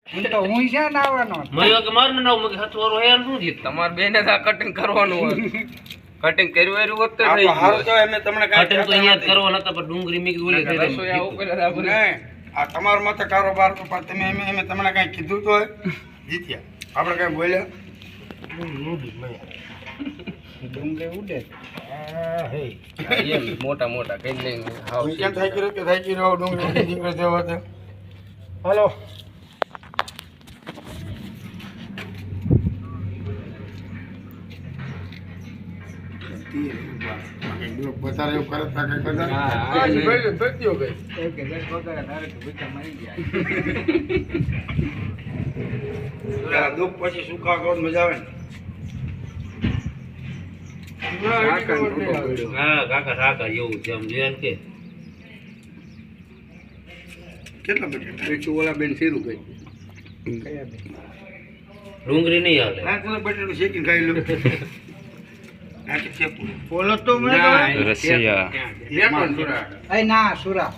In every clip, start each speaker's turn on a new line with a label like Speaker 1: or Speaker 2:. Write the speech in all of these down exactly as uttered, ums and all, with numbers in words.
Speaker 1: હું તો હું છે ને આવવાનો
Speaker 2: મયો કે માર નાવ મગે હથવારો હેર શું છે તમાર બેને આ કટિંગ કરવાનું હોય કટિંગ કર્યું એરું હોત તો
Speaker 3: આ હારું તો એમે તમને કાઈ
Speaker 2: કટિંગ તો અહીંયા જ કરવાનો હતા પણ ડુંગળી મીક ઓલે થઈ
Speaker 3: રસોયા ઉપર આપણે આ તમારો મત કારોબાર તો પણ તમે એમે એમે તમને કાઈ કીધું તો જીત્યા આપણે કાઈ બોલ્યા
Speaker 1: ડુંગળી ઉડે
Speaker 2: હા હે એમ મોટા મોટા કઈ નહીં હાવ
Speaker 3: હું કેમ થાય કર્યો કે થાય કર્યો ડુંગળી નીકળે દેવા તો
Speaker 1: હાલો
Speaker 3: બતારે એવું કરે તા કઈ કરતા
Speaker 1: હા,
Speaker 3: હા ઈ ભાઈ તો થયો ગઈ
Speaker 1: એક કે દસ વગર ધારે તો ભૂખા મરી ગયા
Speaker 3: પેલા દુઃખ પછી સુખા ગોળ મજા આવે ને
Speaker 2: હા કાકા કાકા જેવું છે આમ જોયા કે
Speaker 3: કેટલા બટેટા
Speaker 1: પેચું ઓલા બેન શેરું ગઈ કયા બેન
Speaker 2: ડુંગળી નહીં હાલે
Speaker 3: હા ચલો બટેટું શેકીને ખાઈ લો નાખી શેકું
Speaker 1: બોલો તો મને
Speaker 4: રસિયા
Speaker 3: બે પણ સુરા
Speaker 1: એ ના સુરા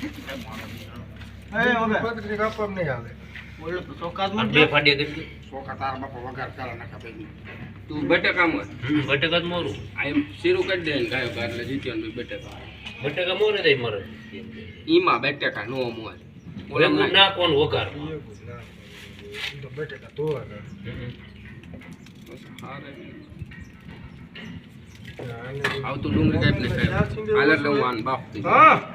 Speaker 3: એ ઓબે પત્રી કાપમ નહીં આવે
Speaker 1: બોલો તો ચોકાત
Speaker 2: આ બે ફાડ્યા કેટલી
Speaker 3: સોકા તાર બાપા વઘાર ચાલા નાખા પૈકી
Speaker 1: તું બટેકા મત
Speaker 2: હમ બટેકા જ મોરું
Speaker 1: આ શેરું કરી દે ને ગાયો એટલે જીત્યો બટેકા
Speaker 2: બટેકા મોરે દઈ મરે
Speaker 1: ઈમાં બટેકા નો મોર
Speaker 2: ઓલે નાખવાનું વઘાર
Speaker 3: તો બટેટા તો
Speaker 1: આવતું ડુંગળી કાઢ ને હાલ એટલે હું આન બાપ
Speaker 3: હા